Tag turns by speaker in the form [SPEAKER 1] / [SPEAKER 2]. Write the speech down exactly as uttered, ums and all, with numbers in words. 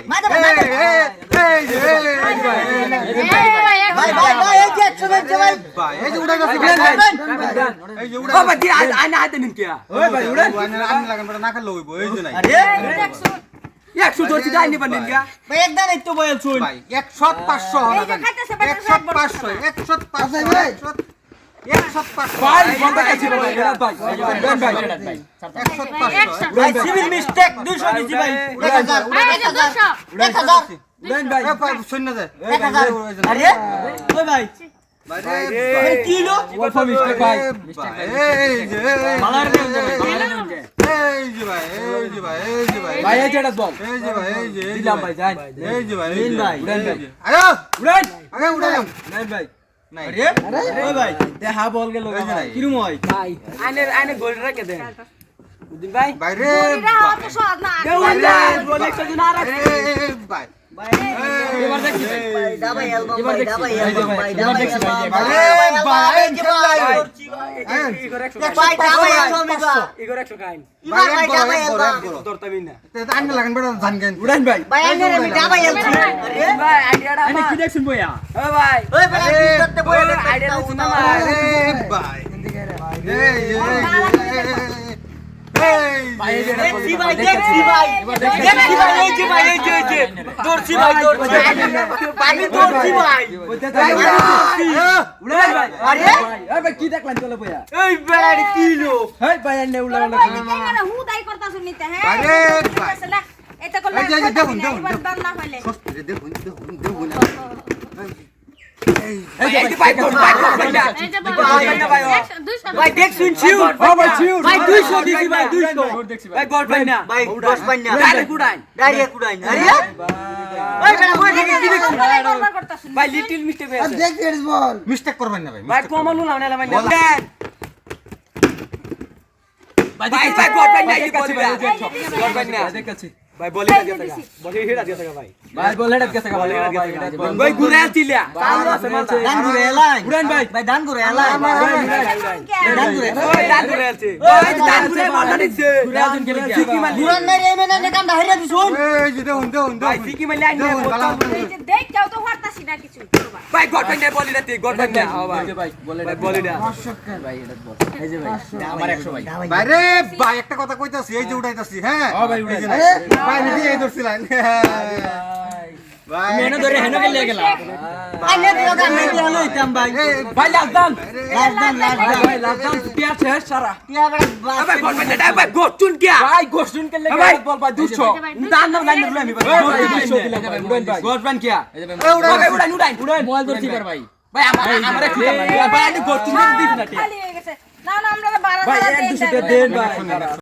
[SPEAKER 1] মাদা ভাই ভাই ভাই ভাই এই যে একশো ভাই ভাই এই যে উড়াই গেছে এই যে উড়াই ও ভাই আইনা আইতে নিন কি ওই ভাই উড়াই আইনা লাগান বড় না খেলে হইবো এই যে নাই আরে একশো ধরছি যাইনি পারলেন কি ভাই একদম এই তো বল শুন ভাই একশো পাঁচশো হবে একশো পাঁচশো একশো পাঁচশো ভাই একশো পাঁচশো ভাই বন্ধ কাছে ভাই ভাই ভাই ভাই একশো পাঁচশো ভাই সিভিল মিস্টেক দুইশো দিছি ভাই এক হাজার এক হাজার এক হাজার দেন ভাই ভাই শুন না যায় এক হাজার আরে ওই ভাই ভাই রে কি হলো অল্প মিস্টেক ভাই মিস্টেক এই যে মালার দেন এই যে ভাই এই যে ভাই এই যে ভাই ভাই এই যেটা বল এই যে ভাই এই যে দিলাম ভাই যান এই যে ভাই দিন ভাই উড়ান ভাই আরে উড়ান আগে উড়ান নাই ভাই নাই আরে ওই ভাই দেখা বল গেল ভাই কিরম হয় ভাই আইনে আইনে গোল রেখে দেন বুঝিন ভাই ভাই রে ভাই তো সহজ না বল একটা দিন আর ভাই ভাই এবার দেখি ভাই দাবাই অ্যালবাম ভাই দাবাই অ্যালবাম ভাই দাবাই অ্যালবাম ভাই ভাই কি ভাই ইগর একশো ভাই দাবাই অ্যালবাম ইগর একশো কাইন ভাই ভাই দাবাই অ্যালবাম দরতামি না তে আইনে লাগান বড় জান গেন উড়ান ভাই ভাই আইনে রে আমি দাবাই অ্যালবাম আরে ভাই আইডিয়াটা আইনে কি দেখছুন বইয়া ও ভাই ওই ভাই কি করতে বইয়া আইডিয়া দেখছুন না আরে ভাই এই এই ভাই দেখছি ভাই দেখছি ভাই দেখছি ভাই এই যে ভাই এই যে এই যে দৌড়ছি ভাই দৌড়ছি আমি দৌড়ছি ভাই উড়াই ভাই আরে এই ভাই কি দেখলেন চলে বইয়া এই বেড়াড়ি কি লো এই ভাই এনে উড়াই না কেন হুদাই করতাছ নিতে হ্যাঁ আরে ভাই এটা করলে দেখুন দেখুন না হইলে দেখুন দেখুন দেখুন এই এই ভাই কোন ভাই এই যে ভাই ভাই দেখ শুন ছিউ ও ভাই ছিউ ভাই দুইশো দিছি ভাই দুইশো ভাই গড ভাই না ভাই দশ পাই না ডাইরেক্ট কুড়াই ডাইরেক্ট কুড়াই আরে ভাই বেটা কই থেকে কি দেখছ ভাই লিটল মিস্টেক হয়েছে আর দেখ এর বল মিস্টেক করবেন না ভাই ভাই কমানো না না ভাই ভাই ভাই ভাই গড ভাই না এই কাছে গড ভাই না দেখাচ্ছি ভাই বলি না দিতে বলি হেডা দিতে ভাই ভাই বল হেডা দিতে ভাই ভাই ঘুরে আছিলা দান ঘুরে এলাই উড়ান ভাই ভাই দান ঘুরে এলাই দান ঘুরে ওই দান ঘুরে আছে ওই দান ঘুরে বল দিছে ঘুরে আছেন গেলে সিকি মালি উড়ান ভাই এই মেনা নে কাম ধাইরা দিছুন এই যে দেখুন দেখুন ভাই সিকি মালি আইনে এই যে দেখ যাও তো হরতাছি না কিছু ভাই গড ভাই না বলি না তুই গড ভাই না ভাই বলে ভাই বলি না ভাই এটা বল এই যে ভাই আমার একশো ভাই ভাই রে ভাই একটা কথা কইতাছি এই যে উড়াইতাছি হ্যাঁ ও ভাই উড়াইছি ভাই নিজে এই ধরছিলেন ভাই মেনে ধরে হেনে গেলে গেলা ভাই নে দিও গান নে দিও লইতাম ভাই ভাই লাজদান লাজদান লাজদান ভাই লাজদান পিয়া ছে সারা পিয়া ভাই বল ভাই না ভাই গোচুন কিয়া ভাই গোচুন কে লাগে বল ভাই দুশো দান না লাইন না আমি ভাই দুশো দিলাম ভাই উড়ান ভাই গোচবান কিয়া এই উড়ান ভাই উড়ান উড়ান উড়ান মোবাইল ধরছি পার ভাই ভাই আমার আমারে কি ভাই আমি গোচুন দিছ না খালি হয়ে গেছে না না আমরা বারো ভাই এক দুশো দেন ভাই